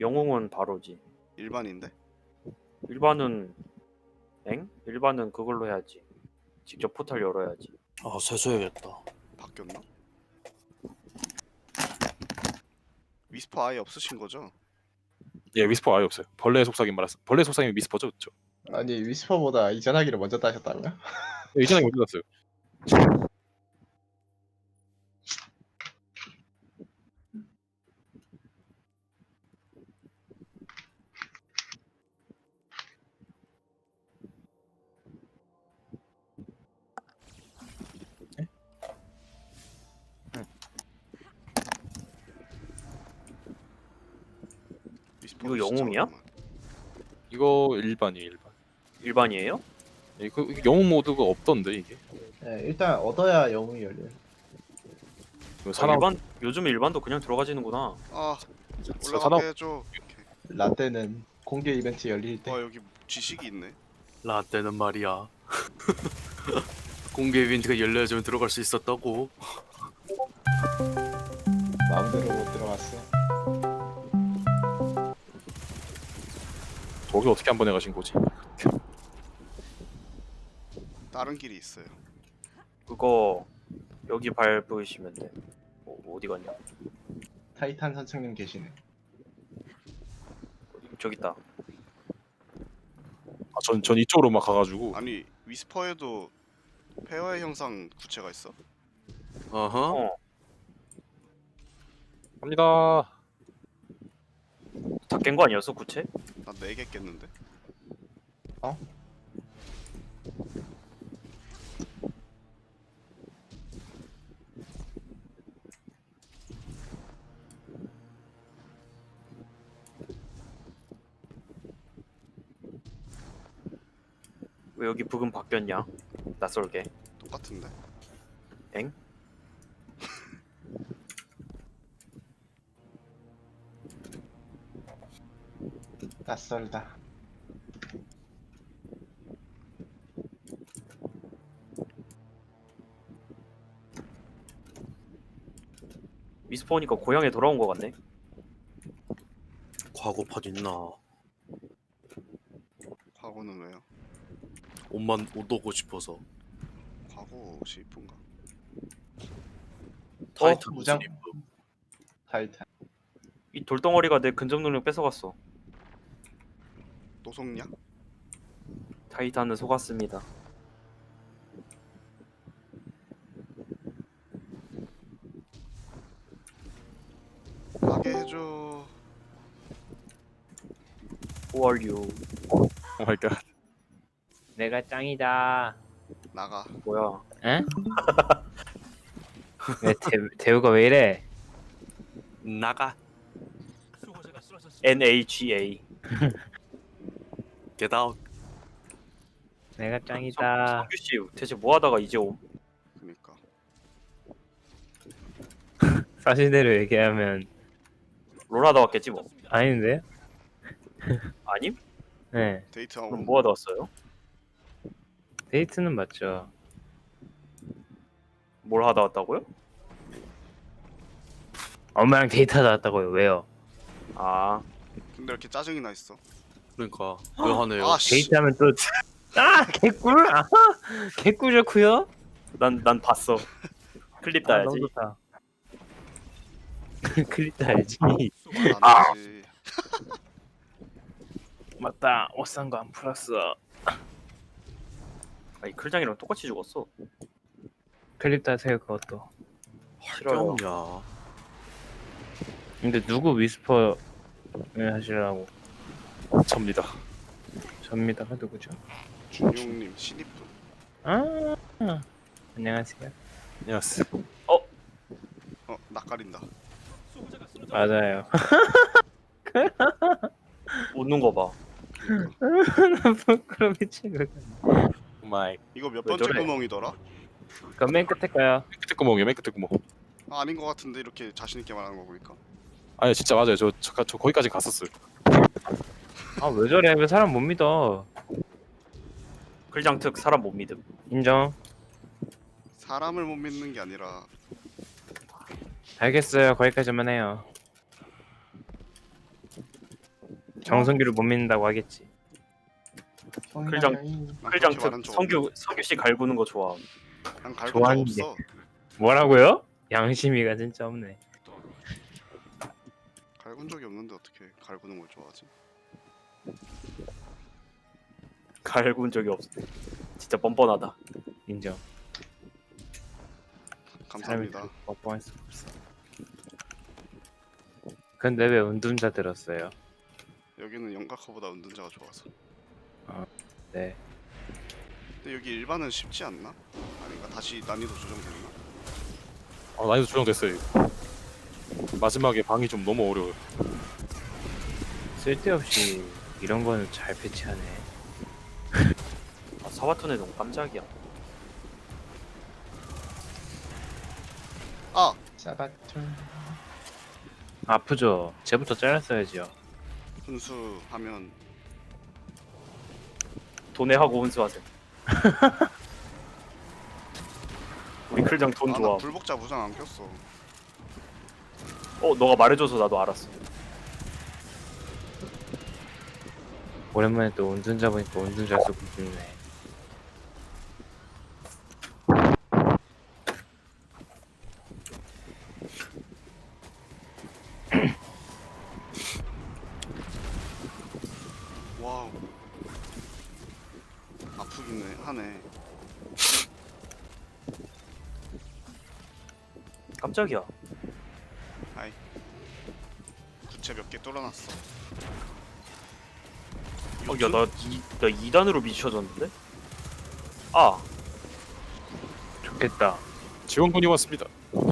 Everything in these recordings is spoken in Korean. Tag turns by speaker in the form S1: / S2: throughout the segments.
S1: 영웅은 바로지.
S2: 일반인데?
S1: 일반은 일반은 그걸로 해야지. 직접 포탈 열어야지.
S3: 아 세수해야겠다.
S2: 바뀌었나? 위스퍼 아예 없으신 거죠?
S4: 예, 위스퍼 아예 없어요. 벌레 속삭임 말았어. 벌레 속삭임이 위스퍼죠, 그렇죠?
S5: 아니 위스퍼보다 이전하기를 먼저 따셨다고요?
S4: 예, 이전에 먼저 났어요.
S2: 위스퍼
S1: 이거 영웅이야?
S4: 이거 일반이에요, 일반.
S1: 일반이에요?
S4: 예, 그 영웅 모드가 없던데 이게.
S5: 네, 일단 얻어야 영웅이 열려요.
S4: 그 사나
S1: 일반 요즘 일반도 그냥 들어가지는구나.
S2: 아
S4: 사나
S2: 올라가게 해줘. 오케이.
S5: 라떼는 공개 이벤트 열릴 때
S2: 여기 지식이 있네.
S3: 라떼는 말이야. 공개 이벤트가 열려야지만 들어갈 수 있었다고.
S5: 마음대로 못 들어갔어.
S4: 거기 어떻게 한 번에 가신 거지?
S2: 다른 길이 있어요.
S1: 그거 여기 밟으시면 돼. 어디 갔냐?
S5: 타이탄 선생님 계시네.
S1: 저기 있다.
S4: 아, 전 이쪽으로 막 가가지고
S2: 아니 위스퍼에도 페어의 형상 구체가 있어?
S3: 어허.
S1: 어.
S4: 갑니다.
S1: 다 깬 거 아니었어 구체?
S2: 난 4개 깼는데.
S5: 어?
S1: 왜 여기 부금 바뀌었냐? 낯설게.
S2: 똑같은데.
S1: 엥?
S5: 낯설다.
S1: 미스포니까 고향에 돌아온 거 같네.
S3: 과거판 있나?
S2: 과거는 왜요?
S3: 옷만 옷 오고 싶어서.
S2: 과거 옷이 이쁜가?
S3: 타이탄
S5: 무장-
S3: 옷을 입고.
S5: 타이탄.
S1: 이 돌덩어리가 내 근접 능력 뺏어갔어.
S2: 또 속냐?
S1: 타이탄은 속았습니다.
S2: 가게 해줘.
S1: Who are you?
S4: 오 마이 갓.
S6: 내가 짱이다.
S2: 나가.
S1: 뭐야?
S6: 응? 왜 대우가 왜 이래?
S3: 나가.
S1: NAGA.
S3: Get out.
S6: 내가 짱이다.
S1: 성규 씨 대체 뭐 하다가 이제 옴?
S2: 그니까.
S6: 사실대로 얘기하면
S1: 롤 하다 왔겠지 뭐.
S6: 아닌데?
S1: 아님?
S6: 네.
S2: 데이트하고
S1: 그럼 뭐 하다 왔어요?
S6: 데이트는 맞죠.
S1: 뭘 하다 왔다고요?
S6: 엄마랑 데이트하다 왔다고요. 왜요?
S1: 아,
S2: 근데 이렇게 짜증이 나 있어.
S3: 그러니까 왜 하네요?
S2: 아 씨.
S6: 데이트하면 또 개꿀? 아하! 개꿀 좋고요.
S1: 난 봤어. 클립 따야지.
S6: 너무 좋다. 클립 따야지.
S2: 나지.
S6: 맞다. 옷 산 거 안 풀었어.
S1: 아니 클장이랑 똑같이 죽었어.
S6: 클립 따세요 그것도.
S1: 싫어요.
S3: 야.
S6: 근데 누구 위스퍼를 하시려고?
S4: 접니다.
S6: 접니다가 누구죠?
S2: 준용님 신입분.
S6: 아 안녕하세요.
S4: 안녕하세요.
S2: 낯가린다.
S6: 맞아요.
S1: 웃는 거 봐.
S6: 부끄러 미치겠네.
S4: 오 마이.
S2: 이거 몇
S1: 왜
S2: 번째
S1: 저래?
S2: 구멍이더라?
S6: 그럼 맨 끝에 거요.
S4: 끝에 구멍이에요, 맨 끝에 구멍.
S2: 아, 아닌 것 같은데 이렇게 자신 있게 말하는 거 보니까.
S4: 아니 진짜 맞아요. 저 거기까지 갔었어요.
S6: 아 왜 저래? 왜 사람 못 믿어?
S1: 클장 특 사람 못 믿음.
S6: 인정.
S2: 사람을 못 믿는 게 아니라
S6: 알겠어요. 거기까지만 해요. 정성규를 못 믿는다고 하겠지.
S1: 클장.
S2: 난
S1: 클장
S2: 그렇게 말한
S1: 특
S2: 적 없는데.
S1: 성규 씨 갈구는 거 좋아.
S2: 난 갈군 적
S6: 좋아하는데.
S2: 없어.
S6: 뭐라고요? 양심이가 진짜 없네.
S2: 갈군 적이 없는데 어떻게 갈구는 걸 좋아하지?
S1: 갈군 적이 없어. 진짜 뻔뻔하다.
S6: 인정.
S2: 감사합니다.
S6: 사람이 뻔뻔할 수 없어. 근데 왜 운둔자 들었어요?
S2: 여기는 영각화보다 은둔자가 좋아서.
S6: 네.
S2: 근데 여기 일반은 쉽지 않나? 아닌가? 다시 난이도 조정됐나?
S4: 난이도 조정됐어요. 이거. 마지막에 방이 좀 너무 어려워요.
S6: 쓸데없이 이런 거는 잘 패치하네.
S1: 아, 사바톤에 너무 깜짝이야.
S2: 아!
S5: 사바툴.
S6: 아프죠? 쟤부터 잘랐어야지요.
S2: 분수하면
S1: 돈에하고 혼수하세요. 우리 클장 돈
S2: 나
S1: 좋아.
S2: 불복자 무장 안 꼈어.
S1: 너가 말해줘서 나도 알았어.
S6: 오랜만에 또 운둔자 보니까 운둔자 쓰고 싶네.
S2: 와우. 아프긴 하네.
S1: 깜짝이야.
S2: 아이. 구체 몇 개 뚫어놨어.
S1: 야, 나 2단으로 미쳐졌는데? 아,
S6: 좋겠다.
S4: 지원군이 왔습니다.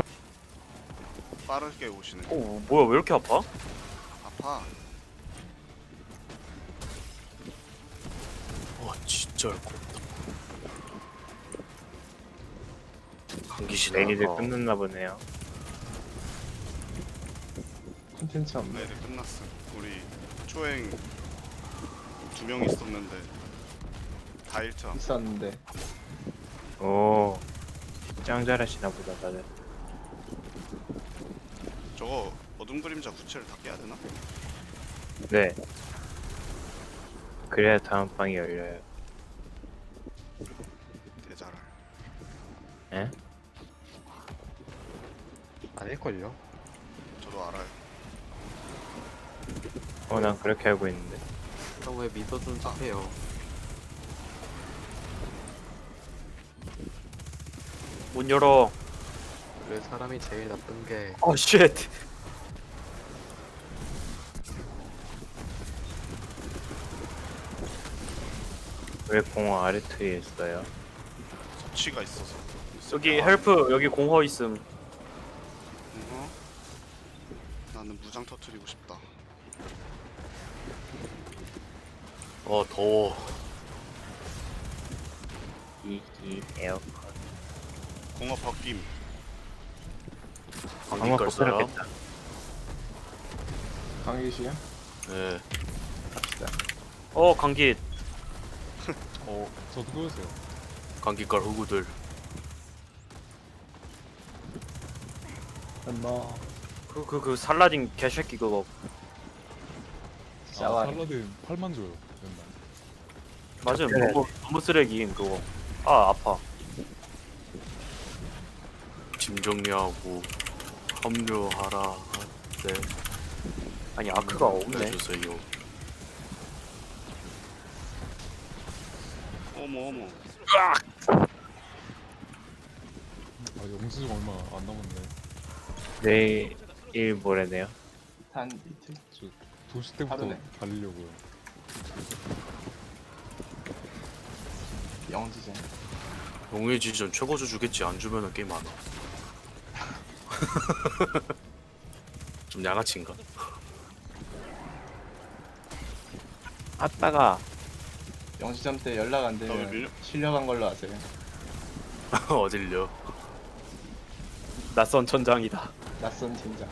S2: 빠르게 오시네.
S1: 뭐야, 왜 이렇게 아파?
S2: 아파.
S3: 와 진짜 할 거 없다. 감기시나.
S6: 내일이 끝났나 보네요.
S5: 콘텐츠 없네.
S2: 네, 끝났어. 우리 초행 2명 있었는데 다 1차.
S5: 있었는데
S6: 오, 짱 잘하시나 보다 다들.
S2: 저거 어둠 그림자 구체를 다 깨야 되나?
S6: 네. 그래야 다음 방이 열려요.
S2: 대자랄.
S6: 예?
S7: 아닐걸요?
S2: 저도 알아요.
S6: 난 그렇게 알고 있는데.
S7: 형 왜 믿어준 척해요?
S1: 문 열어.
S7: 왜 사람이 제일 나쁜 게
S1: 쉣.
S6: 왜 공허 아르트에 있어요?
S2: 섭취가 있어서.
S1: 여기 헬프, 여기 공허 있음.
S2: 나는 무장 터트리고 싶다.
S3: 더워.
S6: 이 에어컨.
S2: 공업 벗김.
S3: 감기
S6: 방어
S3: 깔 사람?
S6: 벗어났겠다.
S5: 강의시야?
S3: 네.
S5: 갑시다.
S1: 감기.
S8: 저도 그거였어요.
S3: 감기 깔 후구들.
S5: 엄마.
S1: 그 살라딘 개새끼 그거.
S5: 샤워.
S8: 살라딘 8만 줘요. 맨날.
S1: 맞음.
S6: 그래.
S1: 너무 쓰레기임 그거. 아파.
S3: 짐 정리하고 합류하라. 네.
S1: 아니 아크가 없네.
S3: 해주세요.
S2: 어머.
S8: 영수증 얼마 안 남았네.
S6: 내일 모레네요.
S5: 한 이틀.
S8: 저 도시 때부터
S5: 하루네.
S8: 달리려고요.
S5: 영지전.
S3: 용의 지전 최고조 주겠지. 안 주면은 게임 안 와. 좀 양아치인가?
S6: 아따가
S5: 영지전 때 연락 안
S2: 나 왜
S5: 되면
S2: 밀려?
S5: 실려간 걸로 아세요?
S3: 어딜려?
S1: 낯선 천장이다.
S5: 낯선 진짜.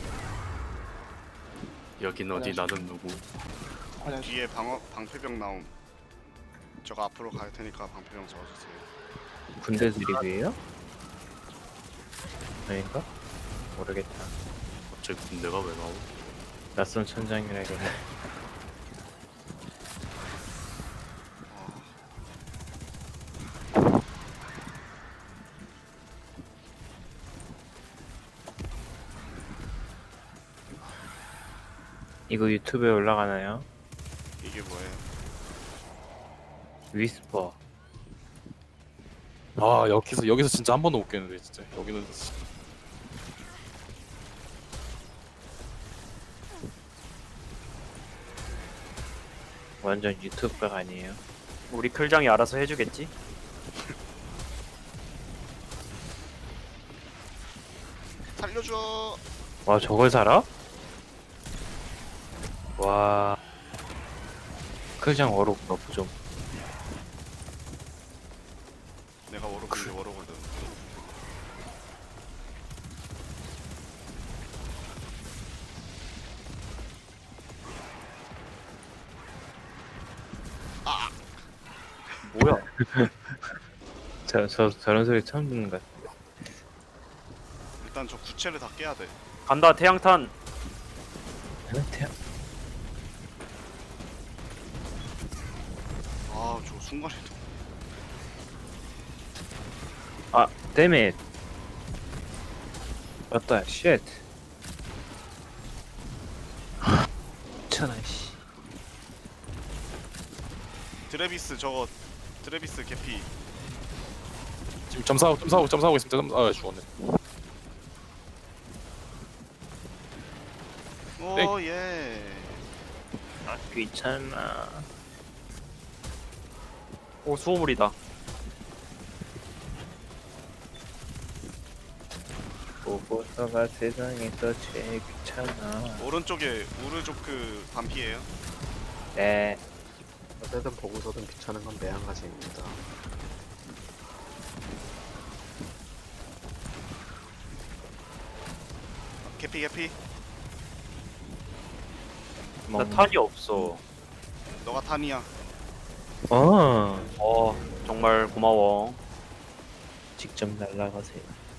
S3: 여긴 어디 나는 누구?
S5: 화장실.
S2: 뒤에 방패병 나옴. 저거 앞으로 갈 테니까 방패병 잡아주세요.
S6: 군대 드립이에요? 아닌가? 모르겠다.
S3: 갑자기 군대가 왜 나오?
S6: 낯선 천장이라길래. 이거 유튜브에 올라가나요?
S2: 이게 뭐예요?
S6: 위스퍼.
S4: 아 여기서 진짜 한 번도 못 깼는데 진짜 여기는 진짜.
S6: 완전 유튜브가 아니에요.
S1: 우리 클장이 알아서 해주겠지?
S2: 살려줘.
S6: 와 저걸 살아? 와. 클장 어록 너프 좀.
S2: 내가 워로그인데 워로거든.
S1: 뭐야?
S6: 저런 소리 처음 듣는 것 같아.
S2: 일단 저 구체를 다 깨야 돼.
S1: 간다 태양탄.
S2: 아 저 순간에도.
S6: 아, damn it. 맞다, shit. 천하 씨.
S2: 드레비스 저거 드레비스 개피.
S4: 지금 점사하고 있습니다. 아 죽었네.
S2: 오 예.
S6: 아, 귀찮아.
S1: 오 수호물이다.
S6: 보고서가 세상에서 제일 귀찮아.
S2: 오른쪽에 우르조크 반피예요.
S6: 네.
S7: 어쨌든 보고서든 귀찮은 건 매한가지입니다.
S2: 개피 개피.
S1: 나 탄이 없어.
S2: 너가 탄이야.
S1: 정말 고마워.
S6: 직접 날라가세요.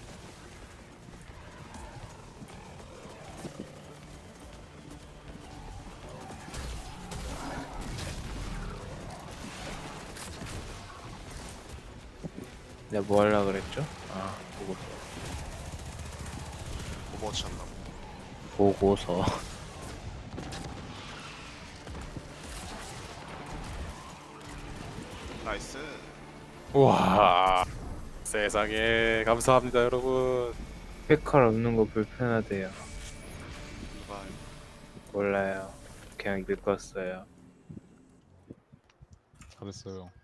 S6: 내가 뭐 하려고 그랬죠? 아,
S2: 오버워치 한다고.
S6: 보고서.
S2: 나이스.
S4: 와 세상에 감사합니다 여러분.
S6: 페칼 없는 거 불편하대요.
S2: 누가
S6: 몰라요. 그냥 늙었어요.
S8: 잘했어요.